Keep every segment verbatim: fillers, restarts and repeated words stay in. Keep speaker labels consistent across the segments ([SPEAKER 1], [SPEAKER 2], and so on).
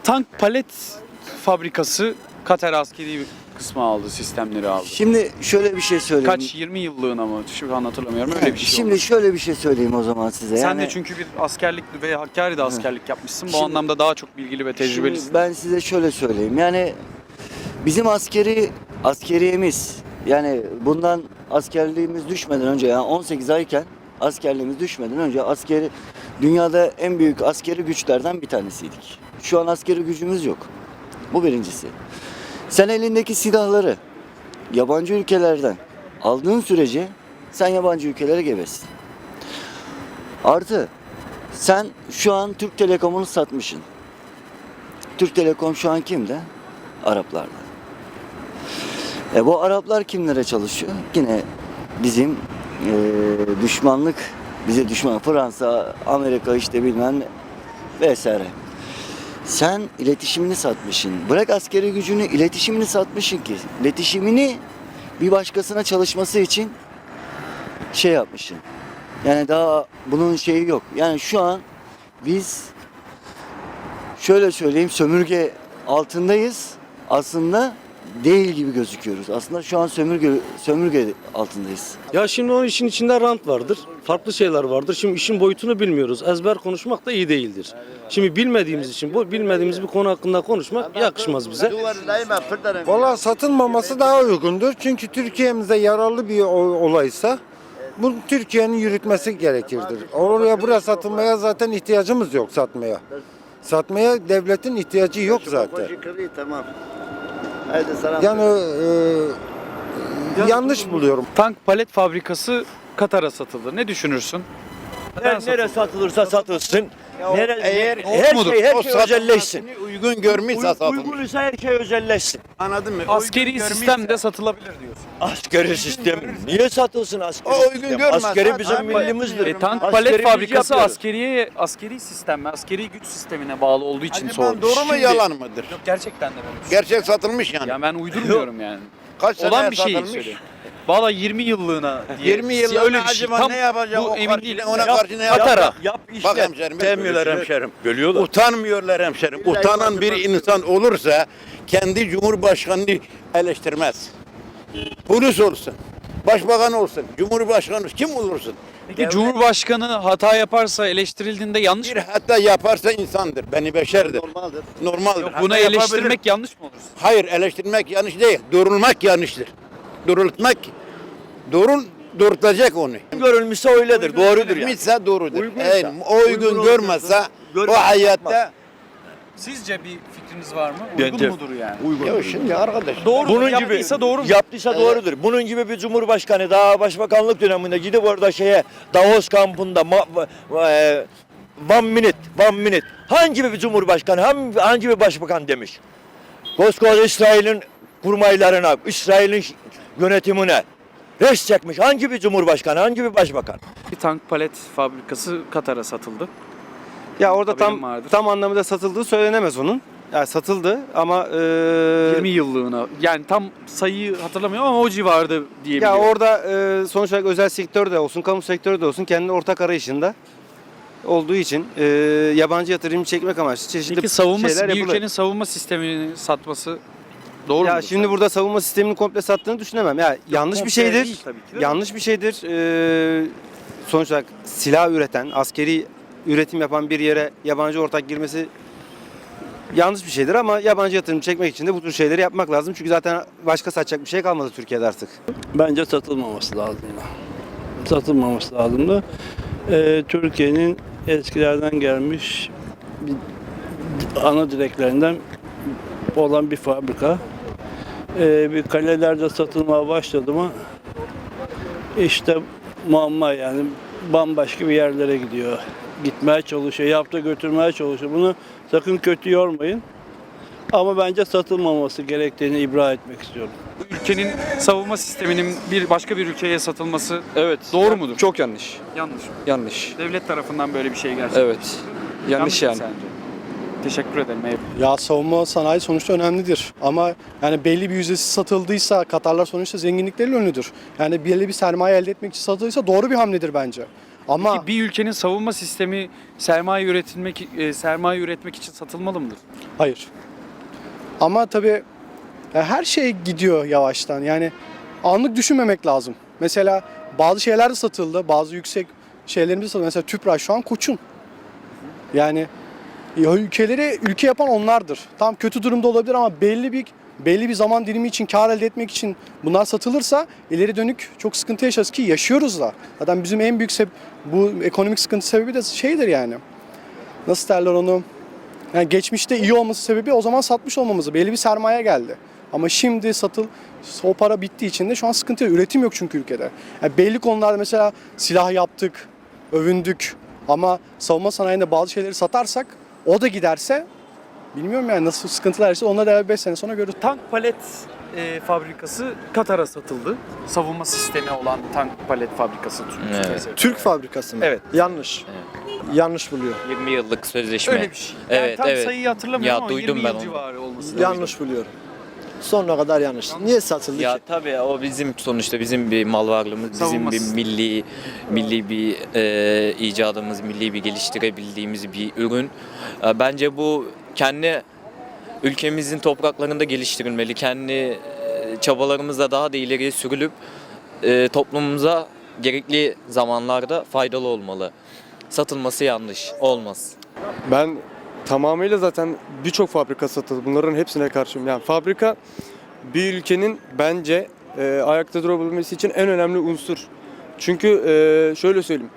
[SPEAKER 1] Tank palet fabrikası Katar askeri kısmı aldı, sistemleri aldı.
[SPEAKER 2] Şimdi şöyle bir şey söyleyeyim.
[SPEAKER 1] Kaç, yirmi yıllığına mı? Şu an hatırlamıyorum. Öyle bir şey
[SPEAKER 2] Şimdi
[SPEAKER 1] oldu.
[SPEAKER 2] şöyle bir şey söyleyeyim o zaman size.
[SPEAKER 1] Sen
[SPEAKER 2] yani,
[SPEAKER 1] de çünkü bir askerlik ve Hakkari'de askerlik yapmışsın. Bu
[SPEAKER 2] Şimdi-
[SPEAKER 1] anlamda daha çok bilgili ve tecrübelisin.
[SPEAKER 2] Şimdi ben size şöyle söyleyeyim. Yani bizim askeri askeriyemiz, yani bundan askerliğimiz düşmeden önce, yani on sekiz ayken askerliğimiz düşmeden önce askeri dünyada en büyük askeri güçlerden bir tanesiydik. Şu an askeri gücümüz yok. Bu birincisi. Sen elindeki silahları yabancı ülkelerden aldığın sürece sen yabancı ülkelere gebesin. Artı sen şu an Türk Telekom'unu satmışsın. Türk Telekom şu an kimde? Araplarda. E bu Araplar kimlere çalışıyor? Yine bizim e, düşmanlık, bize düşman Fransa, Amerika işte bilmem ne vesaire. Sen iletişimini satmışsın. Bırak askeri gücünü, iletişimini satmışsın ki. İletişimini bir başkasına çalışması için şey yapmışsın. Yani daha bunun şeyi yok. Yani şu an biz şöyle söyleyeyim, sömürge altındayız. Aslında değil gibi gözüküyoruz. Aslında şu an sömürge sömürge altındayız.
[SPEAKER 3] Ya şimdi o işin içinde rant vardır. Farklı şeyler vardır. Şimdi işin boyutunu bilmiyoruz. Ezber konuşmak da iyi değildir. Şimdi bilmediğimiz için bu bilmediğimiz bir konu hakkında konuşmak yakışmaz bize.
[SPEAKER 4] Valla satılmaması daha uygundur. Çünkü Türkiye'mize yararlı bir o- olaysa bunu Türkiye'nin yürütmesi gerekirdir. Oraya buraya satılmaya zaten ihtiyacımız yok satmaya. Satmaya devletin ihtiyacı yok zaten.
[SPEAKER 2] Tamam. Haydi selam.
[SPEAKER 4] Yani e, yanlış buluyorum.
[SPEAKER 1] Tank palet fabrikası Katar'a satıldı. Ne düşünürsün? Neden
[SPEAKER 5] Her nere satılırsa satılsın. Nere,
[SPEAKER 6] eğer
[SPEAKER 5] her
[SPEAKER 1] mudur?
[SPEAKER 5] şey her
[SPEAKER 6] O
[SPEAKER 5] şey özelleşsin.
[SPEAKER 6] satılmasını uygun görmüşse
[SPEAKER 5] Uy,
[SPEAKER 6] satılır.
[SPEAKER 5] uygunsa her şey özelleşsin.
[SPEAKER 6] Anladın mı?
[SPEAKER 1] Askeri
[SPEAKER 6] Uygun
[SPEAKER 1] sistem
[SPEAKER 6] görmüşse-
[SPEAKER 1] de satılabilir diyorsun.
[SPEAKER 5] Askeri sistem. Niye satılsın askeri
[SPEAKER 6] O uygun
[SPEAKER 5] sistem?
[SPEAKER 6] görmezse
[SPEAKER 5] Askeri bizim
[SPEAKER 6] tabii.
[SPEAKER 5] millimizdir.
[SPEAKER 1] E, tank
[SPEAKER 5] Askeri
[SPEAKER 1] palet
[SPEAKER 5] biz
[SPEAKER 1] fabrikası
[SPEAKER 5] yapıyoruz.
[SPEAKER 1] askeriye, askeri sistem mi, askeri güç sistemine bağlı olduğu için
[SPEAKER 6] Acaba
[SPEAKER 1] sordum.
[SPEAKER 6] doğru mu
[SPEAKER 1] Şimdi-
[SPEAKER 6] yalan mıdır?
[SPEAKER 1] Yok, gerçekten de böyle düşünüyorum.
[SPEAKER 6] Gerçek satılmış yani.
[SPEAKER 1] Ya ben uydurmuyorum yani.
[SPEAKER 6] Kaç
[SPEAKER 1] Olan
[SPEAKER 6] seneye
[SPEAKER 1] bir şeyi
[SPEAKER 6] satılmış?
[SPEAKER 1] söylüyorum. Valla yirmi yıllığına diye.
[SPEAKER 6] yirmi yıllığına
[SPEAKER 1] öyle bir şey.
[SPEAKER 6] acaba
[SPEAKER 1] Tam
[SPEAKER 6] ne yapacak
[SPEAKER 1] bu
[SPEAKER 6] o
[SPEAKER 1] emin
[SPEAKER 6] karşı-
[SPEAKER 1] değilim.
[SPEAKER 6] ona
[SPEAKER 1] Yap-
[SPEAKER 6] karşı ne
[SPEAKER 1] Katar'a.
[SPEAKER 6] yapacak?
[SPEAKER 5] Yap
[SPEAKER 6] Bak
[SPEAKER 5] işlet.
[SPEAKER 6] hemşerim,
[SPEAKER 5] Sevmiyorlar
[SPEAKER 6] bölüşüyor.
[SPEAKER 5] hemşerim. Bölüyorlar.
[SPEAKER 6] Utanmıyorlar hemşerim. Utanan bir insan olursa kendi cumhurbaşkanını eleştirmez. Polis olsun, başbakan olsun, cumhurbaşkanı olsun, kim olursun.
[SPEAKER 1] Peki Cumhurbaşkanı hata yaparsa eleştirildiğinde yanlış
[SPEAKER 6] Bir
[SPEAKER 1] mı?
[SPEAKER 6] hatta yaparsa insandır, beni beşerdir.
[SPEAKER 2] Normaldir.
[SPEAKER 6] Normaldir.
[SPEAKER 1] Yok,
[SPEAKER 6] Hatta
[SPEAKER 1] buna
[SPEAKER 6] yapabilir.
[SPEAKER 1] eleştirmek yanlış mı olur?
[SPEAKER 6] Hayır, eleştirmek yanlış değil. Durulmak yanlıştır. Durultmak, durul, durtacak onu.
[SPEAKER 5] Görülmüşse öyledir. Doğrudur yani.
[SPEAKER 6] Görülmüşse doğrudur.
[SPEAKER 5] Uygunsa,
[SPEAKER 6] Eğer o uygun
[SPEAKER 5] uygun
[SPEAKER 6] görmezse
[SPEAKER 5] olmuyorsa
[SPEAKER 6] o
[SPEAKER 5] görmez,
[SPEAKER 6] hayatta
[SPEAKER 5] yapmaz.
[SPEAKER 1] Sizce bir fikriniz var mı? Uygun
[SPEAKER 5] Bence-
[SPEAKER 1] mudur yani?
[SPEAKER 5] Uygun.
[SPEAKER 6] ya şimdi arkadaş.
[SPEAKER 1] Doğru
[SPEAKER 5] Bunun gibi
[SPEAKER 1] yaptıysa doğru mu?
[SPEAKER 5] Yaptıysa doğrudur. Bunun gibi bir cumhurbaşkanı daha başbakanlık döneminde gidip orada şeye Davos kampında ma, e, one minute, one minute. Hangi bir cumhurbaşkanı, hangi, hangi bir başbakan demiş? Koskoca İsrail'in kurmaylarına, İsrail'in yönetimine res çekmiş. Hangi bir cumhurbaşkanı, hangi bir başbakan?
[SPEAKER 1] Bir tank palet fabrikası Katar'a satıldı.
[SPEAKER 7] Ya orada
[SPEAKER 1] Haberim
[SPEAKER 7] tam
[SPEAKER 1] vardır.
[SPEAKER 7] tam anlamıyla satıldığı söylenemez onun. Yani satıldı ama e,
[SPEAKER 1] yirmi yıllığına. Yani tam sayıyı hatırlamıyorum ama o civarda
[SPEAKER 7] ya
[SPEAKER 1] diyebiliyorum.
[SPEAKER 7] orada e, sonuç olarak özel sektör de olsun, kamu sektörü de olsun kendi ortak arayışında olduğu için e, yabancı yatırım çekmek amaçlı çeşitli
[SPEAKER 1] Peki savunma,
[SPEAKER 7] şeyler
[SPEAKER 1] bir
[SPEAKER 7] yapılır.
[SPEAKER 1] ülkenin savunma sistemini satması doğru
[SPEAKER 7] Ya
[SPEAKER 1] mu?
[SPEAKER 7] şimdi burada savunma sistemini komple sattığını düşünemem. Ya yanlış bir
[SPEAKER 1] komple
[SPEAKER 7] şeydir.
[SPEAKER 1] değil tabii ki de.
[SPEAKER 7] Yanlış bir şeydir. E, sonuç olarak silah üreten, askeri üretim yapan bir yere yabancı ortak girmesi yanlış bir şeydir ama yabancı yatırım çekmek için de bu tür şeyleri yapmak lazım. Çünkü zaten başka satacak bir şey kalmadı Türkiye'de artık.
[SPEAKER 3] Bence satılmaması lazım. Satılmaması lazım da. Ee, Türkiye'nin eskilerden gelmiş bir ana direklerinden olan bir fabrika. Ee, bir kalelerde satılmaya başladı mı işte muamma yani bambaşka bir yerlere gidiyor. Gitmeye çalışıyor, yaptı götürmeye çalışıyor. Bunu sakın kötü yormayın. Ama bence satılmaması gerektiğini ibra etmek istiyorum.
[SPEAKER 1] Bu ülkenin savunma sisteminin bir başka bir ülkeye satılması
[SPEAKER 8] Evet.
[SPEAKER 1] doğru mudur?
[SPEAKER 8] Çok yanlış.
[SPEAKER 1] Yanlış mı?
[SPEAKER 8] Yanlış.
[SPEAKER 1] Devlet tarafından böyle bir şey gerçekleşti.
[SPEAKER 8] Evet. Yanlış yani.
[SPEAKER 1] mı sence? Teşekkür ederim. Eyvallah.
[SPEAKER 9] Ya savunma sanayi sonuçta önemlidir ama yani belli bir yüzdesi satıldıysa Katarlar sonuçta zenginlikleriyle ünlüdür. Yani belli bir sermaye elde etmek için satıldıysa doğru bir hamledir bence. Ama
[SPEAKER 1] Peki bir ülkenin savunma sistemi sermaye üretilmek e, sermaye üretmek için satılmalı mıdır?
[SPEAKER 9] hayır. Ama tabii ya her şey gidiyor yavaştan. Yani anlık düşünmemek lazım. Mesela bazı şeyler de satıldı. Bazı yüksek şeylerimiz de satıldı. Mesela Tüpraş şu an Koç'un. Yani ya ülkeleri ülke yapan onlardır. Tam kötü durumda olabilir ama belli bir belli bir zaman dilimi için kar elde etmek için bunlar satılırsa ileri dönük çok sıkıntı yaşarız ki yaşıyoruz da. Zaten bizim en büyük sebe- bu ekonomik sıkıntı sebebi de şeydir yani. Nasıl derler onu? Yani geçmişte iyi olması sebebi o zaman satmış olmamızı. Belli bir sermaye geldi. Ama şimdi satıl o para bittiği için de şu an sıkıntı yok. Üretim yok çünkü ülkede. Yani belli konularda mesela silah yaptık, övündük. Ama savunma sanayinde bazı şeyleri satarsak o da giderse bilmiyorum yani nasıl sıkıntılar ise onlar da beş sene sonra görürüz.
[SPEAKER 1] Tank palet e, fabrikası Katar'a satıldı. Savunma sistemi olan tank palet fabrikası.
[SPEAKER 8] Evet.
[SPEAKER 9] Türk fabrikası mı?
[SPEAKER 1] Evet.
[SPEAKER 9] Yanlış. Yanlış buluyor.
[SPEAKER 8] yirmi yıllık sözleşme.
[SPEAKER 1] Öyle bir şey. Yani
[SPEAKER 8] Evet,
[SPEAKER 1] tam
[SPEAKER 8] evet.
[SPEAKER 1] sayıyı hatırlamıyorum
[SPEAKER 8] Ya,
[SPEAKER 1] ama
[SPEAKER 8] duydum
[SPEAKER 1] yirmi
[SPEAKER 8] ben
[SPEAKER 1] yıl
[SPEAKER 8] onu.
[SPEAKER 1] civarı olması lazım.
[SPEAKER 9] Yanlış buluyorum. Sonuna kadar yanlış. Niye satıldı
[SPEAKER 8] Ya
[SPEAKER 9] ki?
[SPEAKER 8] tabii o bizim sonuçta bizim bir mal varlığımız, bizim
[SPEAKER 1] Savunması.
[SPEAKER 8] bir milli milli bir e, icadımız, milli bir geliştirebildiğimiz bir ürün. E, bence bu kendi ülkemizin topraklarında geliştirilmeli. Kendi e, çabalarımızla daha da ileriye sürülüp e, toplumumuza gerekli zamanlarda faydalı olmalı. Satılması yanlış, olmaz.
[SPEAKER 10] Ben tamamıyla zaten birçok fabrika satıldı. Bunların hepsine karşıyım. Yani fabrika bir ülkenin bence e, ayakta durabilmesi için en önemli unsur. Çünkü e, şöyle söyleyeyim.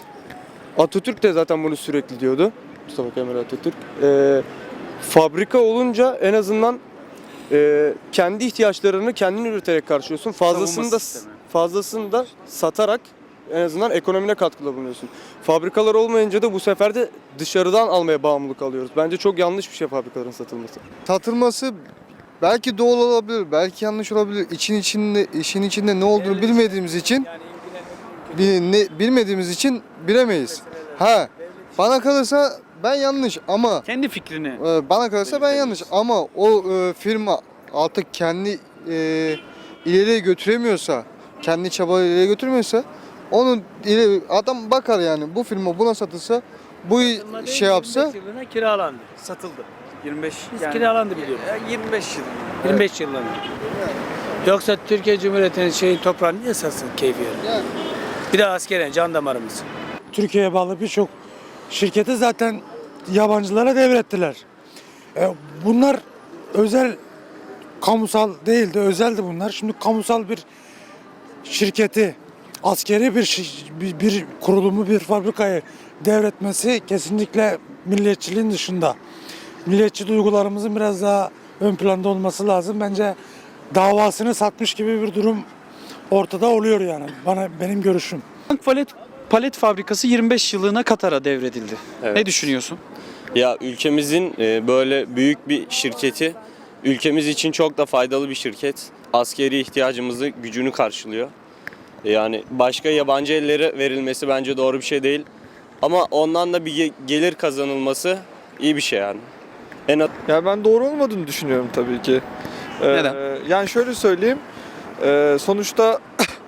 [SPEAKER 10] Atatürk de zaten bunu sürekli diyordu. Mustafa Kemal Atatürk. E, fabrika olunca en azından e, kendi ihtiyaçlarını kendin üreterek karşılıyorsun. Fazlasını
[SPEAKER 1] Savunma
[SPEAKER 10] da
[SPEAKER 1] sistemi.
[SPEAKER 10] fazlasını da satarak en azından ekonomine katkıda bulunuyorsun. Fabrikalar olmayınca da bu sefer de dışarıdan almaya bağımlılık alıyoruz. Bence çok yanlış bir şey fabrikaların satılması.
[SPEAKER 11] Satılması belki doğal olabilir, belki yanlış olabilir. İçin içinde işin içinde ne olduğunu bilmediğimiz için bi- ne, bilmediğimiz için bilemeyiz. Ha, bana kalırsa ben yanlış ama
[SPEAKER 1] Kendi fikrini.
[SPEAKER 11] e, bana kalırsa ben yanlış ama o e, firma artık kendi e, ileriye götüremiyorsa, kendi çabaları ileriye götürmüyorsa onu ileri, adam bakar yani bu firma buna satılsa bu şey yapsa
[SPEAKER 12] yirmi beş yılına kiralandı, satıldı.
[SPEAKER 1] yirmi beş
[SPEAKER 12] Biz
[SPEAKER 1] yani,
[SPEAKER 12] kiralandı biliyorum.
[SPEAKER 1] e, yirmi beş yıl.
[SPEAKER 12] yirmi beş yılına. Yoksa Türkiye Cumhuriyeti'nin şeyin toprağını niye satsın keyfi yerine?
[SPEAKER 11] Yani.
[SPEAKER 12] Bir de askeren, can damarımız.
[SPEAKER 13] Türkiye'ye bağlı birçok şirketi zaten yabancılara devrettiler. E, bunlar özel, kamusal değildi, özeldi bunlar. Şimdi kamusal bir şirketi, askeri bir, şi- bir, bir kurulumu, bir fabrikayı devretmesi kesinlikle milliyetçiliğin dışında. Milliyetçi duygularımızın biraz daha ön planda olması lazım. Bence davasını satmış gibi bir durum ortada oluyor yani. Bana benim görüşüm.
[SPEAKER 1] Tank palet palet fabrikası yirmi beş yıllığına Katar'a devredildi.
[SPEAKER 14] Evet.
[SPEAKER 1] Ne düşünüyorsun?
[SPEAKER 14] Ya ülkemizin e, böyle büyük bir şirketi, ülkemiz için çok da faydalı bir şirket. Askeri ihtiyacımızı, gücünü karşılıyor. Yani başka yabancı ellere verilmesi bence doğru bir şey değil. Ama ondan da bir ge- gelir kazanılması iyi bir şey yani. En az-
[SPEAKER 11] Ya ben doğru olmadığını düşünüyorum tabii ki. Ee,
[SPEAKER 1] Neden?
[SPEAKER 11] Yani şöyle söyleyeyim. Ee, sonuçta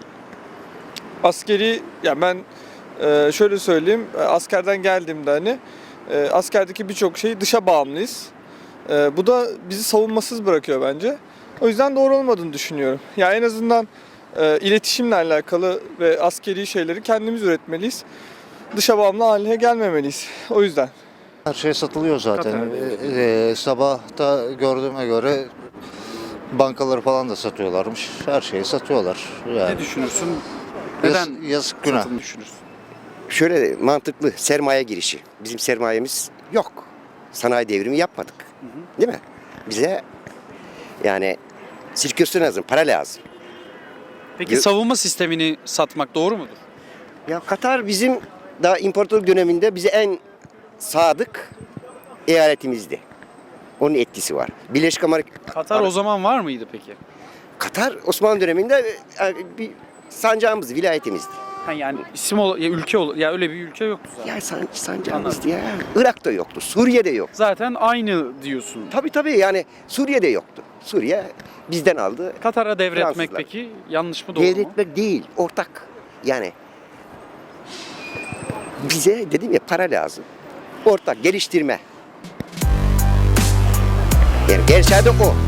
[SPEAKER 11] askeri, ya ben e, şöyle söyleyeyim. e, Askerden geldiğimde hani e, askerdeki birçok şey dışa bağımlıyız. E, bu da bizi savunmasız bırakıyor bence. O yüzden doğru olmadığını düşünüyorum. Ya en azından e, iletişimle alakalı ve askeri şeyleri kendimiz üretmeliyiz. Dışa bağımlı haline gelmemeliyiz. O yüzden.
[SPEAKER 2] Her şey satılıyor zaten.
[SPEAKER 1] Katar'a
[SPEAKER 2] Ee, sabah da gördüğüme göre bankaları falan da satıyorlarmış. Her şeyi satıyorlar. Yani
[SPEAKER 1] Ne düşünürsün?
[SPEAKER 2] yaz-
[SPEAKER 1] Neden
[SPEAKER 2] yazık günah.
[SPEAKER 1] satıldığını düşünürsün?
[SPEAKER 15] Şöyle mantıklı sermaye girişi. Bizim sermayemiz yok. Sanayi devrimi yapmadık. Değil mi? Bize yani sirkülasyon lazım, para lazım.
[SPEAKER 1] Peki
[SPEAKER 15] Yo-
[SPEAKER 1] savunma sistemini satmak doğru mudur?
[SPEAKER 15] Ya Katar bizim daha imparatorluk döneminde bize en sadık eyaletimizdi. Onun etkisi var. Birleşik Amerika...
[SPEAKER 1] Katar o zaman var mıydı peki?
[SPEAKER 15] Katar Osmanlı döneminde e, bir sancağımızdı, vilayetimizdi.
[SPEAKER 1] Ha yani isim ol, ya ülke ol, ya öyle bir ülke yoktu zaten.
[SPEAKER 15] Ya san, sancağımızdı ya. Irak'ta yoktu, Suriye'de yok.
[SPEAKER 1] Zaten aynı diyorsun.
[SPEAKER 15] Tabii tabii yani Suriye'de yoktu. Suriye bizden aldı.
[SPEAKER 1] Katar'a devretmek
[SPEAKER 15] Fransızlar.
[SPEAKER 1] peki yanlış mı doğru mu?
[SPEAKER 15] Devretmek değil, ortak. Yani Bize dedim ya para lazım. Ortak geliştirme. Yani gerçeği de o.